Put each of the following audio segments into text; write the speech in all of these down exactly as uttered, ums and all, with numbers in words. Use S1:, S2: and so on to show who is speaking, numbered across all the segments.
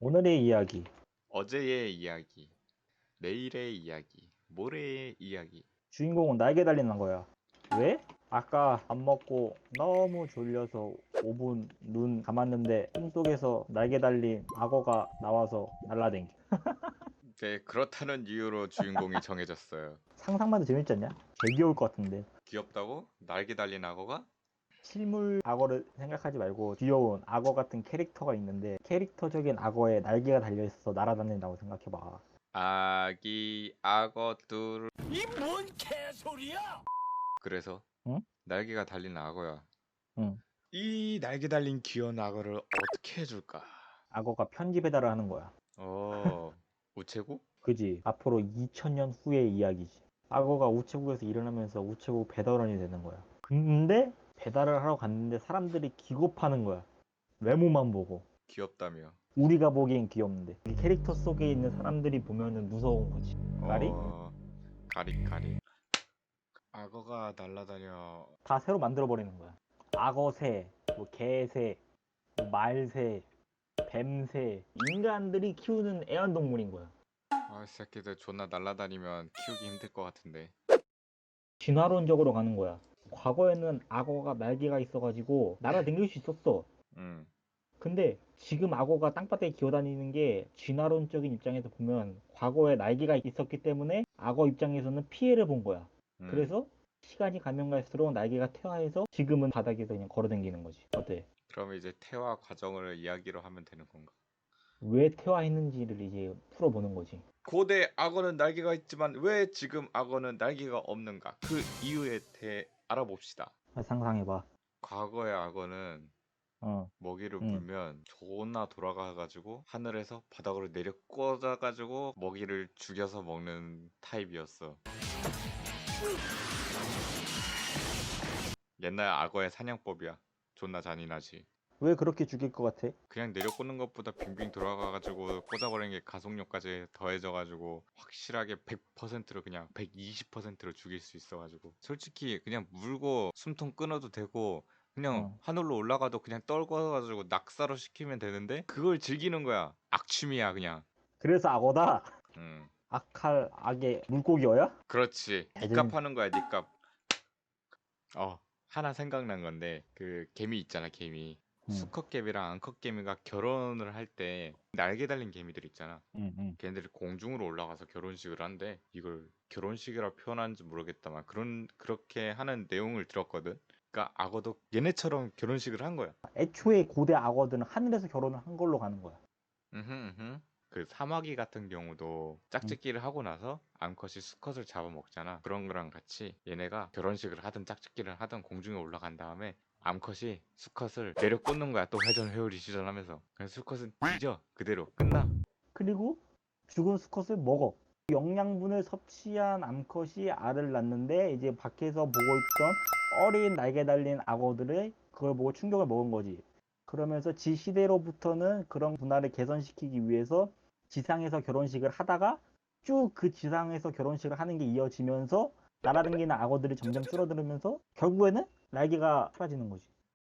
S1: 오늘의 이야기.
S2: 어제의 이야기, 내일의 이야기, 모레의 이야기.
S1: 주인공은 날개 달린 거야. 왜? 아까 밥 먹고 너무 졸려서 오 분 눈 감았는데 꿈속에서 날개 달린 악어가 나와서 날라댕겨.
S2: 네, 그렇다는 이유로 주인공이 정해졌어요.
S1: 상상만 해도 재밌지 않냐? 개 귀여울 것 같은데.
S2: 귀엽다고? 날개 달린 악어가?
S1: 실물 악어를 생각하지 말고 귀여운 악어 같은 캐릭터가 있는데 캐릭터적인 악어에 날개가 달려있어서 날아다닌다고 생각해봐.
S2: 아기 악어들.
S3: 이 뭔 개소리야!
S2: 그래서
S1: 응?
S2: 날개가 달린 악어야.
S1: 응.
S2: 이 날개 달린 귀여운 악어를 어떻게 해줄까?
S1: 악어가 편지 배달을 하는 거야.
S2: 어, 우체국?
S1: 그지? 앞으로 이천 년 후의 이야기지. 악어가 우체국에서 일어나면서 우체국 배달원이 되는 거야. 근데 배달을 하러 갔는데 사람들이 기겁하는 거야. 외모만 보고.
S2: 귀엽다며.
S1: 우리가 보기엔 귀엽는데 이 캐릭터 속에 있는 사람들이 보면은 무서운 거지. 까리?
S2: 어, 가리 가리. 악어가 날라다녀.
S1: 다 새로 만들어 버리는 거야. 악어새, 뭐 개새, 뭐 말새, 뱀새, 인간들이 키우는 애완동물인 거야.
S2: 아, 이 새끼들 존나 날라다니면 키우기 힘들 것 같은데.
S1: 진화론적으로 가는 거야. 과거에는 악어가 날개가 있어가지고 날아다닐 수 있었어.
S2: 음.
S1: 근데 지금 악어가 땅바닥에 기어다니는 게 진화론적인 입장에서 보면 과거에 날개가 있었기 때문에 악어 입장에서는 피해를 본 거야.
S2: 음.
S1: 그래서 시간이 가면 갈수록 날개가 퇴화해서 지금은 바닥에서 그냥 걸어다니는 거지. 어때?
S2: 그러면 이제 태화 과정을 이야기로 하면 되는 건가?
S1: 왜 퇴화했는지를 이제 풀어보는 거지.
S2: 고대 악어는 날개가 있지만 왜 지금 악어는 날개가 없는가? 그 이유에 대해 알아봅시다.
S1: 상상해봐.
S2: 과거의 악어는
S1: 어,
S2: 먹이를
S1: 응.
S2: 물면 존나 돌아가가지고 하늘에서 바닥으로 내려 꽂아가지고 먹이를 죽여서 먹는 타입이었어. 옛날 악어의 사냥법이야. 존나 잔인하지.
S1: 왜 그렇게 죽일 것 같아?
S2: 그냥 내려 꽂는 것보다 빙빙 돌아가가지고 꽂아버리는 게 가속력까지 더해져가지고 확실하게 백 퍼센트로 그냥 백이십 퍼센트로 죽일 수 있어가지고 솔직히 그냥 물고 숨통 끊어도 되고 그냥
S1: 어.
S2: 하늘로 올라가도 그냥 떨궈가지고 낙사로 시키면 되는데 그걸 즐기는 거야. 악취미야 그냥.
S1: 그래서 악어다?
S2: 음,
S1: 악할 악의 물고기어야?
S2: 그렇지.
S1: 애들-
S2: 니값 하는 거야 니값. 어, 하나 생각난 건데 그 개미 있잖아 개미.
S1: 응,
S2: 수컷개미랑 암컷개미가 결혼을 할 때 날개 달린 개미들 있잖아.
S1: 응, 응.
S2: 걔네들이 공중으로 올라가서 결혼식을 한대. 이걸 결혼식이라 표현하는지 모르겠다만 그런 그렇게 하는 내용을 들었거든. 그러니까 악어도 얘네처럼 결혼식을 한 거야.
S1: 애초에 고대 악어들은 하늘에서 결혼을 한 걸로 가는 거야.
S2: 음흠, 음흠. 그 사마귀 같은 경우도 짝짓기를 하고 나서 암컷이 수컷을 잡아먹잖아. 그런 거랑 같이 얘네가 결혼식을 하든 짝짓기를 하든 공중에 올라간 다음에 암컷이 수컷을 내려 꽂는 거야. 또 회전 회오리 시전하면서. 그래서 수컷은 뒤져 그대로 끝나.
S1: 그리고 죽은 수컷을 먹어. 영양분을 섭취한 암컷이 알을 낳는데 이제 밖에서 보고 있던 어린 날개 달린 악어들이 그걸 보고 충격을 먹은 거지. 그러면서 지 시대로부터는 그런 문화를 개선시키기 위해서 지상에서 결혼식을 하다가 쭉 그 지상에서 결혼식을 하는 게 이어지면서 날아다니는 악어들이 점점 줄어들면서 결국에는 날개가 사라지는 거지.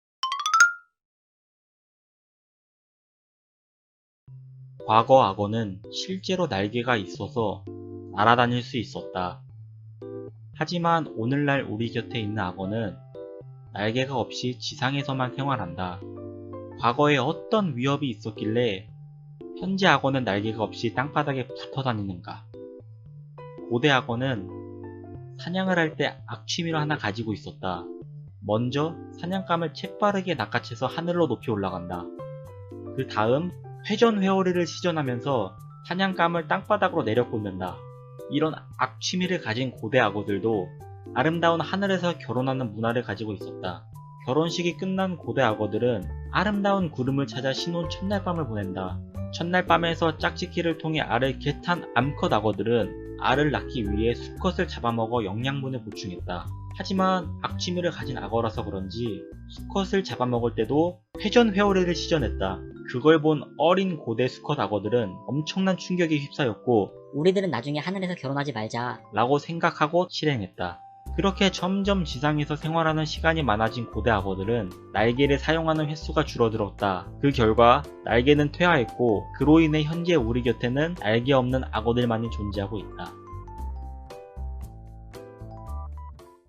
S4: 과거 악어는 실제로 날개가 있어서 날아다닐 수 있었다. 하지만 오늘날 우리 곁에 있는 악어는 날개가 없이 지상에서만 생활한다. 과거에 어떤 위협이 있었길래 현재 악어는 날개가 없이 땅바닥에 붙어 다니는가? 고대 악어는 사냥을 할 때 악취미를 하나 가지고 있었다. 먼저 사냥감을 재빠르게 낚아채서 하늘로 높이 올라간다. 그 다음 회전 회오리를 시전하면서 사냥감을 땅바닥으로 내려 꽂는다. 이런 악취미를 가진 고대 악어들도 아름다운 하늘에서 결혼하는 문화를 가지고 있었다. 결혼식이 끝난 고대 악어들은 아름다운 구름을 찾아 신혼 첫날밤을 보낸다. 첫날 밤에서 짝짓기를 통해 알을 개탄 암컷 악어들은 알을 낳기 위해 수컷을 잡아먹어 영양분을 보충했다. 하지만 악취미를 가진 악어라서 그런지 수컷을 잡아먹을 때도 회전 회오리를 시전했다. 그걸 본 어린 고대 수컷 악어들은 엄청난 충격에 휩싸였고
S5: 우리들은 나중에 하늘에서 결혼하지 말자.
S4: 라고 생각하고 실행했다. 그렇게 점점 지상에서 생활하는 시간이 많아진 고대 악어들은 날개를 사용하는 횟수가 줄어들었다. 그 결과 날개는 퇴화했고 그로 인해 현재 우리 곁에는 날개 없는 악어들만이 존재하고 있다.